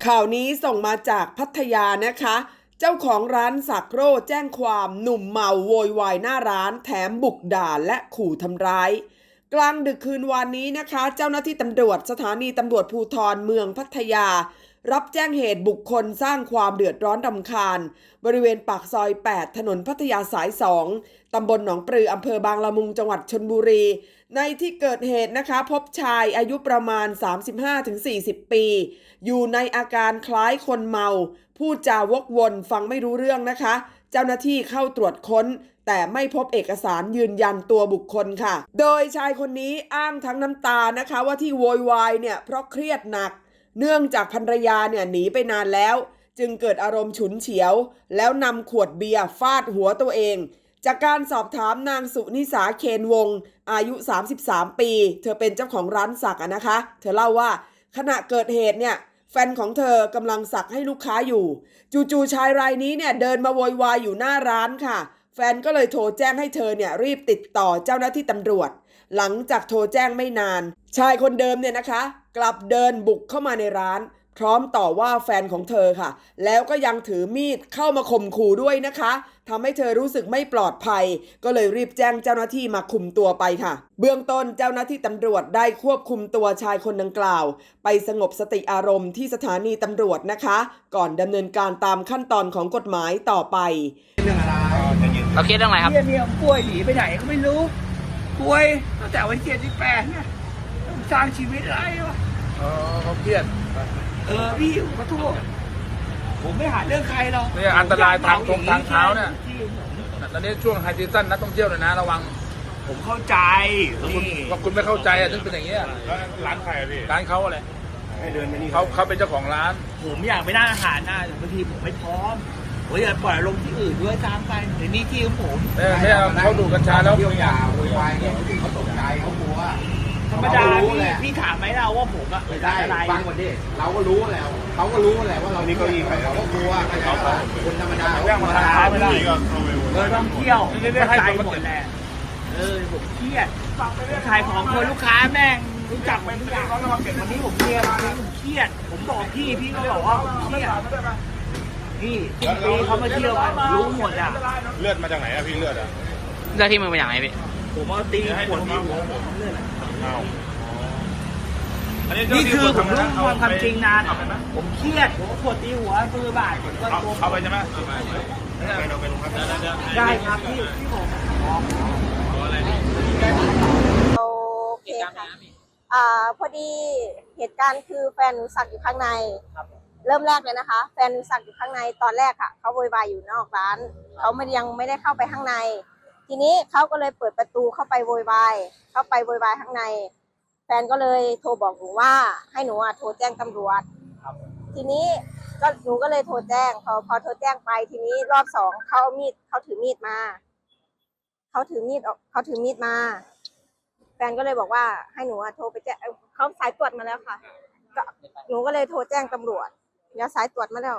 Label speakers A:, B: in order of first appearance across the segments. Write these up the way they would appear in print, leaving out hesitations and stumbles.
A: ข่าวนี้ส่งมาจากพัทยานะคะ เจ้าของร้านสักโร่แจ้งความหนุ่มเมาโวยวายหน้าร้านแถมบุกด่าและขู่ทำร้ายกลางดึกคืนวานนี้นะคะ เจ้าหน้าที่ตำรวจสถานีตำรวจภูธรเมืองพัทยารับแจ้งเหตุบุคคลสร้างความเดือดร้อนรำคาญบริเวณปากซอย 8 ถนนพัทยาสาย 2 ตำบลหนองปลืออำเภอบางละมุงจังหวัดชลบุรีในที่เกิดเหตุนะคะพบชายอายุประมาณ 35-40 ปีอยู่ในอาการคล้ายคนเมาพูดจาวกวนฟังไม่รู้เรื่องนะคะเจ้าหน้าที่เข้าตรวจค้นแต่ไม่พบเอกสารยืนยันตัวบุคคลค่ะโดยชายคนนี้อ้างทั้งน้ำตานะคะว่าที่โวยวายเนี่ยเพราะเครียดหนักเนื่องจากภรรยาเนี่ยหนีไปนานแล้วจึงเกิดอารมณ์ฉุนเฉียวแล้วนำขวดเบียร์ฟาดหัวตัวเองจากการสอบถามนางสุนิสาเคนวงศ์อายุ33ปีเธอเป็นเจ้าของร้านสักนะคะเธอเล่าว่าขณะเกิดเหตุเนี่ยแฟนของเธอกำลังสักให้ลูกค้าอยู่จู่ๆชายรายนี้เนี่ยเดินมาโวยวายอยู่หน้าร้านค่ะแฟนก็เลยโทรแจ้งให้เธอเนี่ยรีบติดต่อเจ้าหน้าที่ตำรวจหลังจากโทรแจ้งไม่นานชายคนเดิมเนี่ยนะคะกลับเดินบุกเข้ามาในร้านพร้อมต่อว่าแฟนของเธอค่ะแล้วก็ยังถือมีดเข้ามาข่มขู่ด้วยนะคะทำให้เธอรู้สึกไม่ปลอดภัยก็เลยรีบแจ้งเจ้าหน้าที่มาคุมตัวไปค่ะเบื้องต้นเจ้าหน้าที่ตำรวจได้ควบคุมตัวชายคนดังกล่าวไปสงบสติอารมณ์ที่สถานีตำรวจนะคะก่อนดำเนินการตามขั้นตอนของกฎหมายต่อไป
B: เรื่องอะไร
C: เราเครียดเรื่องอะไรครับ
B: เนี่ยป่วยหนีไปไหนก็ไม่รู้ป่วยตั้งแต่วัน7-8เนี่ยต้องสร้างชีวิตอะไรวะ
D: เขาเครียด
B: พี่ขอโทษผมไม่หาเรื่องใครหรอก
D: นี่อันตรายทางเท้าเนี่ยตอนนี้ช่วงไฮซีซั่นนักท่องเที่ยวเลยนะระวัง
B: ผมเข้าใจ
D: คุณไม่เข้าใจถึงเป็นอย่างเงี้ย
E: ร้านใครพี่
D: ร้านเขาอะไร
E: ให้เดินไปนี่
D: เขาเป็นเจ้าของร้าน
B: ผมอยากไปร้านอาหารนะบางทีผมไม่พร้อมผมอยากปล่อยลงที่อื่นด้วยตามไปในนี้ที่ของผม
D: ไม่เขาดูกัญชาแล้ว
E: เที่ยวยาโวยวายเนี่ยเขาตกใจเขากลัว
B: ธรรมดาพี่ถามไหมเราว่าผมอะ
E: ไม่ได้ฟังก่อนดิเราก็รู้แล้วเขาก็รู้แหละว่าเรานี่ก็ยิงเขาก็กลัวเขาคนธรรมดา
B: เรื่องธรรมดาไม่ได้ต้องเที่ยวเข้าใจหมดแหละผมเครียดขายของคนลูกค้าแม่งรู้จักมันทุกอย่างวันนี้ผมเครียดผมบอกพี่ก็บอกว่าเครียดพี่ปีเขามาเที่ยวรู้หมดอ่ะ
E: เลือดมาจากไหนอะพี่เลือดอะ
C: เลือดที่มือมาจากไหนพี่
B: ผมเอาตีขวดตีหัวผมเลือดนี่คือผมรู้ความจริงนานผมเครียดผมขวดตีหัวมือบาดผมก็
E: เอาไปใช่ไหม
B: ได้ครับพี่ผม
F: โอเคค่ะพอดีเหตุการณ์คือแฟนหนูสักอยู่ข้างในเริ่มแรกเลยนะคะแฟนหนูสักอยู่ข้างในตอนแรกค่ะเขาโวยวายอยู่นอกร้านเขายังไม่ได้เข้าไปข้างในทีนี้เขาก็เลยเปิดประตูเข้าไปโวยวายข้างในแฟนก็เลยโทรบอกหนูว่าให้หนูโทรแจ้งตำรวจทีนี้ก็หนูก็เลยโทรแจ้งพอโทรแจ้งไปทีนี้รอบ2เขาถือมีดมาแฟนก็เลยบอกว่าให้หนูโทรไปแจ้งเขาสายตรวจมาแล้วค่ะก็หนูก็เลยโทรแจ้งตำรวจแล้วสายตรวจมาแล้ว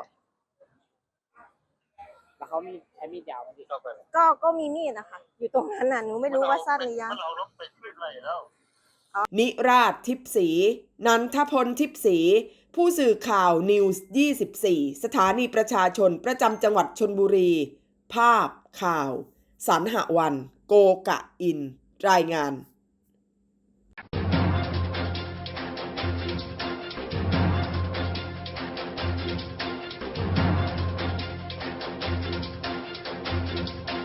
C: เขามีใช้มีดยาวไหมพี่
F: ก็มีมีดนะคะอยู่ตรงนั้นน่ะหนูไม่รู้ว่าสั้นหรือยาว
A: นิราศทิพย์ศรีนันทพลทิพย์ศรีผู้สื่อข่าวนิวส์24สถานีประชาชนประจำจังหวัดชลบุรีภาพข่าวสรรหวันโกกะอินรายงาน